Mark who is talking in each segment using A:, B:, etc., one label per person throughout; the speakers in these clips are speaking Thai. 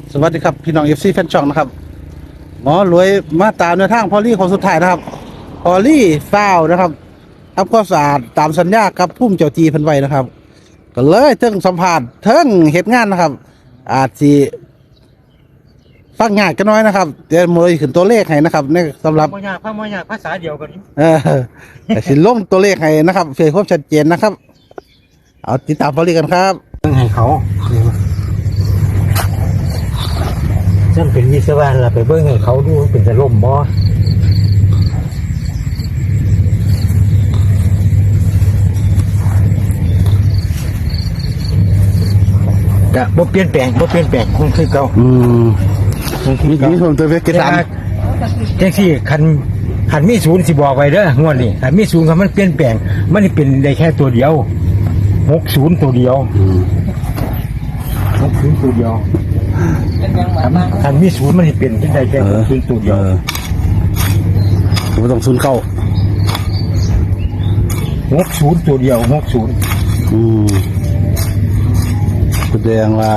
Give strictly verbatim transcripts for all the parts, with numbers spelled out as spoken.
A: สวัสดีครับพี่น้องเอฟซีแฟนช่องนะครับหมอรวยมาตามในทางพอลี่คนสุดท้ายนะครับพอลี่ฟาวนะครับทำความสะอาดตามสัญญากับพุ่มเจ้าจีเพันไว้นะครับก็เลยเทิงสัมผัสเทิงเหตุงานนะครับ อาจจะฟังงานกันน้อยนะครับเดี๋ยวมวยขึ้นตัวเลขให้นะครับในสำหรับ
B: มอยากพระมอยากภาษาเดียวกัน
A: เออแต่สิลงตัวเลขให้นะครับเพื่อความชัดเจนนะครับ เอาติดตามพอลี่กันครับ
B: ต้องให้เขาฉันเป็นวิศวะเราไปเบิ้งให้เขาดูเป็นจะล่มบ่จะบ่เปลี่ยนแปลงบ่เปลี่ยนแปลงคงคือเก่า
A: อืม
B: คงคือ
A: มี
B: เก่า
A: มีผมตัวเลขกี่
B: แต่
A: สาม
B: จังซี่คันคันมีศูนย์สิบอกไว้เด้องวดนี้คันมีศูนย์คันมันเปลี่ยนแปลงมันเป็นได้แค่ตัวเดียวหกศูนย์ตัวเดียว
A: อืม
B: หกศูนย์ตัวเดียวคันมีศูนย์มันเป็นที่ได้แค่หกศูนย์ตัวเดียว
A: ผมต้องซุนเข้า
B: หกศูนย์ตัวเดียวหกศูนย์
A: อืมแสดงว่า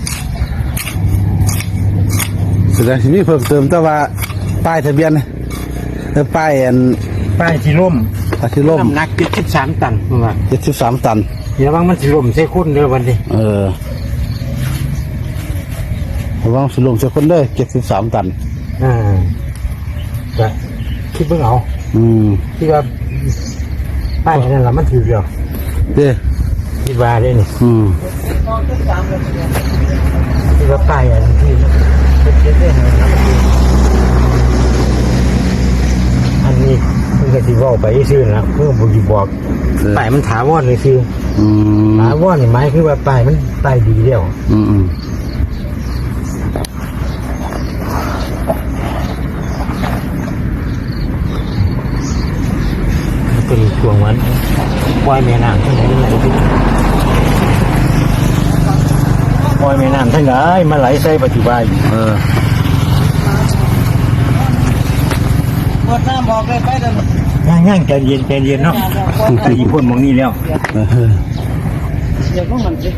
A: แสดงที่มีเพิ่มเติมแต่ว่าป้ายทะเบียนเออป้ายอัน
B: ป้ายที่ร่ม
A: อาทิล่ม
B: น้ำหนักเจ็ดสิบสามตันว่า
A: เจ็ดสิบสามตัน
B: เดี๋ยวว่างมันสิร่มใส่คุณเด้อวันนี้
A: เออระวังสิลมเสียคนเลยเจ็ดสิบสามตัน
B: อ่าจะคิดเพิ่งเอา
A: อืม
B: คิดว่าป้ายนั่นแหละมันถือเดียว
A: เด้
B: คิดว่าได้นี่
A: อืม
B: คิดว่าป้ายอันที่เป็นเจ็ดได้ไหมอันนี้เพิ่งจะสิบอกไปซื้อนะเพิ่งบอกบอกป้ายมันถาวรเลยคือ
A: อืม
B: ถาวรนี่หมายคือว่าป้ายมันป้ายดีเดียว
A: อืมอืม
B: เป็นช่วงวันปล่อยแม่น้ำทั้งไหนไหลปล่อยแม่น้ำทั้งไหนมาไหลใส่ปัจจุบัน
A: เออ
C: หมดน้ำบอกเลยไปเดิน
B: ย่างย่างใจเย็นใจเย็นเนาะแต่อีพ่นมองนี่แล้ว
A: เออ
C: เดี๋ยวพวกมันสิ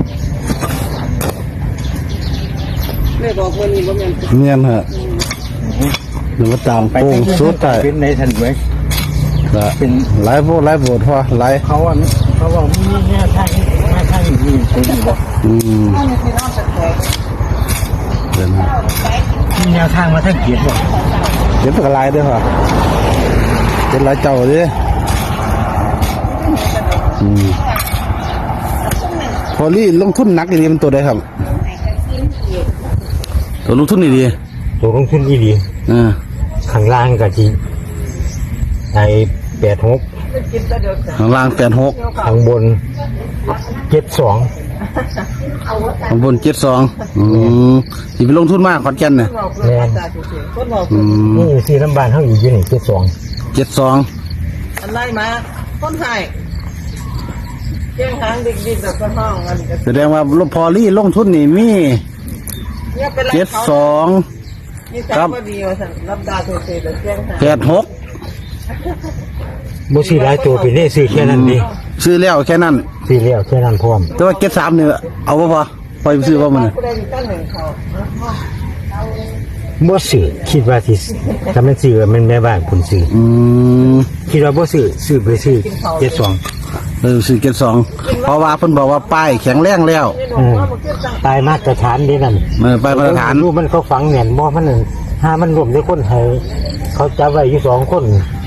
C: ไม่บอกคนนี้ว่ามัน
A: เนียนเหรอหรือว่าตามโป้งสุดแต่
B: เป็นในทันไว้
A: ละเป็นหลายโบหลายโบทพอหลาย
B: เขาอ่ะเขาบอกมีแง่ทางแง่ทางมีเป็นอยู่บ่
A: อืม
C: ถ้ามีพี่น้องสักแขก
A: เดี๋ยวนะ
B: มีแนวทางมาทั้งเกียรติบ่
A: เดี๋ยวเป็นลายด้วยพอเป็นลายเจ้าดิอืมพอลี่ลงทุนหนักดีมันตัวใดครับตัวลงทุนนี่ดี
B: ตัวลงทุนอีดี
A: อ่า
B: ข้างล่างก็จีไอ้แปดหก
C: กินแต่เดี๋ยวจะ
A: ข้างล่างแปดหก
B: ข้างบนเจ็ดสอง
A: ข้างบนเจ็ดสองอืมที่ไปลงทุนมากขอนแก่นเนี่ย
C: บอกเพื่อนจ่าจุดเสียงคนบอก
A: อืม
B: นี่สี่ลำบานเท่าอยู่ยี่นี่เจ็ดสอง
A: เจ็ดสอง
C: อะไรมาคนไทยเจ้งหางดิกดิกแบบคนห้องอันนี้ก็
A: แสดงว่าพอลี่ลงทุนนี่มี
C: เนี่ยเป็นไร
A: เจ็ด
C: เขา
A: สอง
C: นี่ใจก็ดีว่าสั่งรับดาตัวเสียแต่เจ้งหาง
A: แปดหก
B: บุษีหลายตัวเป็นเลขซื้อแค่นั้นดี
A: ซื้อแล้วแค่นั้น
B: ซื้อแล้วแค่นั้นพร้อม
A: แต่ว่าเจ็ดสามเนี่ยเอาป่ะพอปล่อยไปซื้อว่ามันเนี่ย
C: ผู้ใดมีตั้งหนึ่งเขา
B: บ่ซื้อคิดว่าสิถ้ามันซื้อมันแม่บ้านคุณซื้อ
A: อืม
B: คิดว่าบ่ซื้อซื้อไปซื้อเจ็ดสอง
A: เออซื้อเจ็ดสองเพราะว่าเพิ่นบอกว่าป้ายแข็งแรงแล้ว
B: อืมตายมาตรฐานดีนั่น
A: เออป้ายมาตรฐาน
B: รูปมันเขาฝังแหน่นบ่มันนั่นถ้ามันรวมด้วยคนไทยเขาจับไว้อยู่สองคน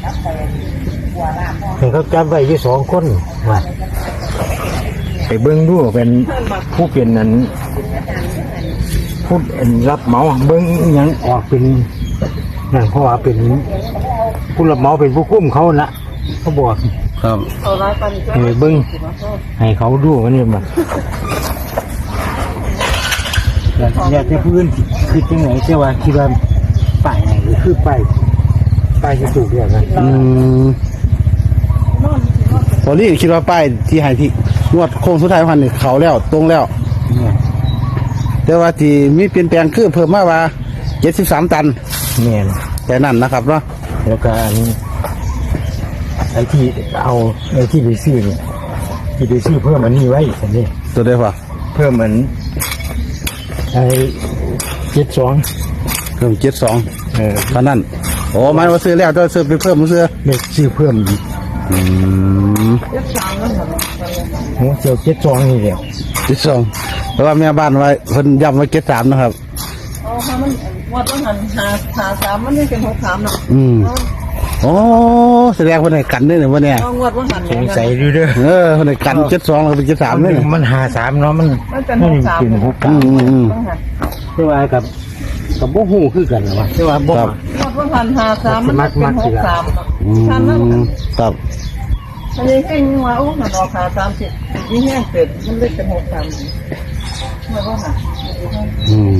B: เห็นเขาจับไว้อยู่สองคนว่าไปเบิ่งดูเป็นผู้เป็นนั้นผู้รับเหมาเบิ่งอิหยังออกเป็นนั่นเพราะว่าเป็นผู้รับเหมาเป็นผู้คุ้มเขาละเขาบอก
A: ครับ
C: เขาร้ายปันก็
B: ให้เบิ่งให้เขาดูมันนี่มาอยากจะพื้นคือจังไหนเจ้าว่าคิดว่าป้ายไหนหรือคือป้ายป้ายที่ถูกเรียกนะ
A: อืมพอลี่คิดว่าป้ายที่ให้ที่งวดโค้งสุดท้ายพันนี่เขาแล้วตรงแล้ว
B: เนี่ย
A: แต่ว่าที่มีเปลี่ยนแปลงคือเพิ่มมาว่าเจ็ดสิบสามตัน
B: เนี่ย
A: แต่นั่นนะครับเนาะ
B: แล้วก็อันนี้ไอ้ที่เอาไอ้ที่ไปซื้อเนี่ยที่ไปซื้อเพิ่มอันนี้ไว้สันนี่
A: ตัวเดียวพอ
B: เพิ่มเหมือนไอ้เจ็ดสอง
A: เพิ่มเจ็ดสอง
B: เออ
A: เท่านั้นโอ้หมายว่าซื้อแล้วต้องซื้อไปเพิ่มมาซื้อ
B: เลขซื้อเพิ่มอีก
A: อืม
C: เจ็ดสามนั่นเหรอ
B: โอ้เจียวเจ็ดสองนี่แหละ
A: เจ็ดสองเพราะว่าแม่บ้านไว้เพิ่นย้ำไว้เจ็ดสามนะครับ
C: เอาถ้ามันวัดต้องหันหาหาสามมันนี่เป็นหกสามเนาะ
A: อืมโอ้แสดงว่าในกันด้วยเนี่ยวันเนี้ย
C: เอางวดว่าหัน
B: สงสัยดูเด้อ
A: เออคนในกันเจ็ดสองเราเป็นเจ็ดสามเลยเนี่ย
B: มันหาสามเนาะมัน
C: มันเป็น
B: มั
C: ห
B: น
C: กสาม
B: เป็นหก
A: อื
B: เก้าม
A: อืมอืม
C: ต้องหัน
B: ใช่ว่ากับกับบ่ฮู้คือกันเหรอวะใช่ว่าบ่
A: ครับ
C: งวดว่าหันหาสามมันเป็นหกสามเนาะ
A: อื
C: ท่านนั้น
A: มครับ
C: อันนี้ให้งัวโอ้หันออกหาสามสิบยิ่งแห้งเป็ดมันเลยเป็นหกสามงวดว่าหัน
A: อืม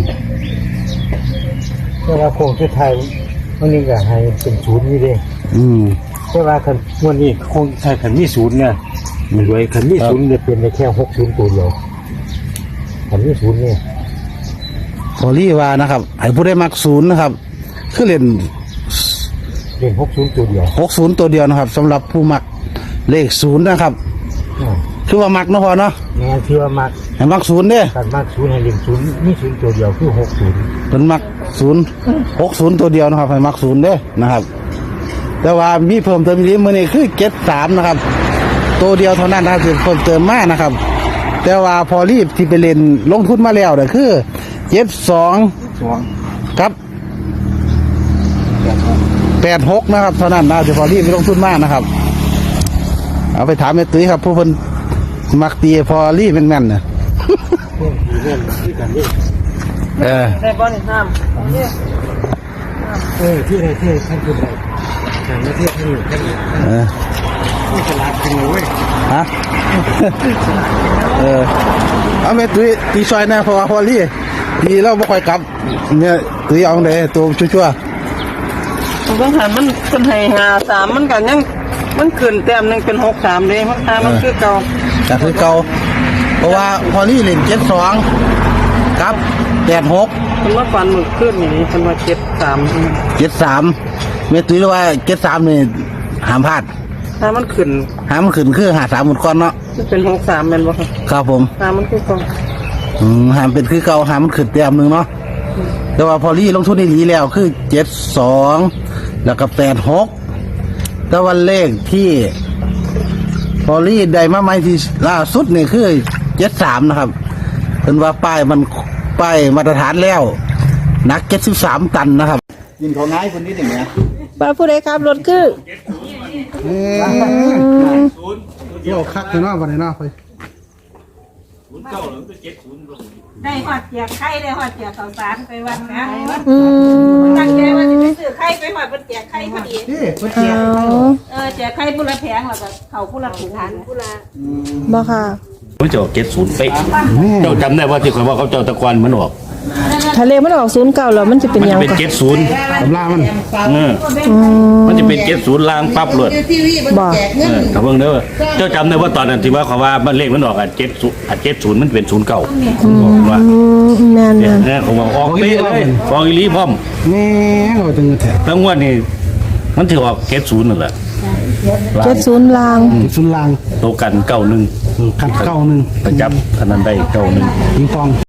B: ใช่ว่าโคงสุดท้ายวันนี้ก็ให้เป็นศูนย์นี่เด้
A: อืม
B: ใช่ว่าคันวันนี้โคงใช้คันมีศูนย์เนี่ยมันรวยคันมีศูนย์เนี่ยเป็นได้แค่หกศูนย์ตัวเดียวคันมีศูนย์เนี่ย
A: พอรี่ว่านะครับให้ผู้ได้มักศูนย์นะครับ คือเล่น
B: เป็นหกศูนย์ตัวเดียว
A: หกศูนย์ตัวเดียวนะครับสำหรับผู้มักเลขศูนย์นะครับ
B: อ่า
A: คือว่ามักเนาะพอเนาะ
B: งานที่ว่ามัก
A: ให้มักศูนย์เด้
B: การมักศูนย์ให้เรียนศูนย์มีศูนย์ตัวเดียวคือหกศูนย์
A: เป็นมักศูนย์หกศูนย์ตัวเดียวนะครับให้มักศูนย์เด้นะครับ แต่ว่ามีเพิ่มเติมอีกมือนี้คือเจ็ดสามนะครับ ตัวเดียวเท่านั้นนะครับที่เพิ่มเติมมากนะครับ แต่ว่าพอรีบที่ไปเล่นลงทุนมาแล้วเนี่ยคือเจ็ดสอง
B: สอง
A: ครับแปดหกนะครับเท่านั้นนะที่พอรีบไปลงทุนมากนะครับ เอาไปถามแม่ตุ้ยครับผู้เพิ่นมักตีพอรีบแม่นๆเนี่ย
B: เพื่อนที่เล่นที่กันนี่
A: เออ
C: ได้บอลอีกห้ามเอาเนี่ย
B: เออที่ไหนที่ท่านคือไหนทางประเทศท่านอยู่ท่านอยู่
A: เออ
B: ที่ตลาดเป็นเลยเว้ย
A: ฮะ เออเอาแม่ตุ้ยตีซอยหนะเพราะว่าพอรีบตีเราไม่ค่อยกลับเนี่ยตุ้ยเอาไหนตัวชั่ว
C: มันต้องหันมันเป็นให้หาสามมันกันยังมันขึ้นแต้มหนึงเป็นหกสามเลยมันหามันคือเก่า
A: ๆจากคือเก่าเพราะว่าพอรีบเล่นเจ็ดสองกับแปดหก
C: มันว่าฟันมือขึ้นอย่างนี้มันว่าเจ็ดสาม
A: เจ็ดสามเมตุยเรียกว่าเจ็ดสามนี่หามพลาด
C: ถ้ามันขึ้น
A: หามขึ้นคือหาสามหมดก้อนเนาะ
C: มันเป็นหกสามเป็นวะครับ
A: ครับผม
C: หามันคือเก่า
A: อืมหามเป็นคือเก่าหามมันขึ้นเต็มหนึ่งเนาะแต่ว่าพอรี่ลงทุนนี่ดีแล้วคือเจ็ดสองแล้วก็แปดหกแต่วันเลขที่พอรี่ได้มาใหม่ที่ล่าสุดนี่คือเจ็ดสามนะครับเป็นว่าป้ายมันป้ายมาตรฐานแล้วหนักเจ็ดสิบสามตันนะครับยินของง่ายคนนี้หนึ่งนะ
C: ป้าผู้ใดครับรถคือ
A: เดี๋ยวคักเลยเนาะวันนี้เนาะไป
D: ได้หอดเจียกไข่ได้หอดเจียกข้าวสารไปวัดนะ
C: อืม
D: ตั้งใจว่าจะไปซื้อไข่ไปหอดบนเจียกไข่พอดี
A: นี่คนเจีย
D: เออเจียกไข่ผู้ละแผงแล้วก็เขาผู้ละถุงผู้ละ
C: บ่ค่ะ
E: เขาจะออกเจ็ดศูนย์เป๊ะเจ้าจำได้ว่าที่ข่อยว่าเขาเจ้าตะกอนมันออก
C: ทะเลมันออกศูนย์เก่าแล้วมันจะเป็น
E: มัน
C: ยั
E: จะ
C: ง
E: เป็น
C: ค่ะ
E: เจ็ดศูนย์
A: ตำรามัน
E: เออมันจะเป็นเจ็ดศูนย์ลางปั๊บเลย
C: บ่
E: เออถ้าเบิ่งเด้อเจ้าจำได้ว่าตอนนั้นที่ว่าเขาว่ามันเลขมันออกอ่ะเจ็ดศูนย์อ่ะเจ็ดศูนย์มันเป็นศูนย์เก้าว่า
C: อืมแม่น
E: เนี่ย
C: แม่น
E: เนี่ยเขาบอกออกเป๊ะเลยฟองอีหลีพร้อม
A: นี่เราจึงแถบ
E: แล้วงวดนี้มันถือออกเจ็ดศูนย์นั่นแหละ
C: เจ็ดศูนย์ลาง
A: สุนลาง
E: โตกันเก้าหนึ่ง
A: ขัดเก้าหนึ่ง
E: ไปจับอันนั้นได้เก้าหนึ่ง
A: ยิงฟอง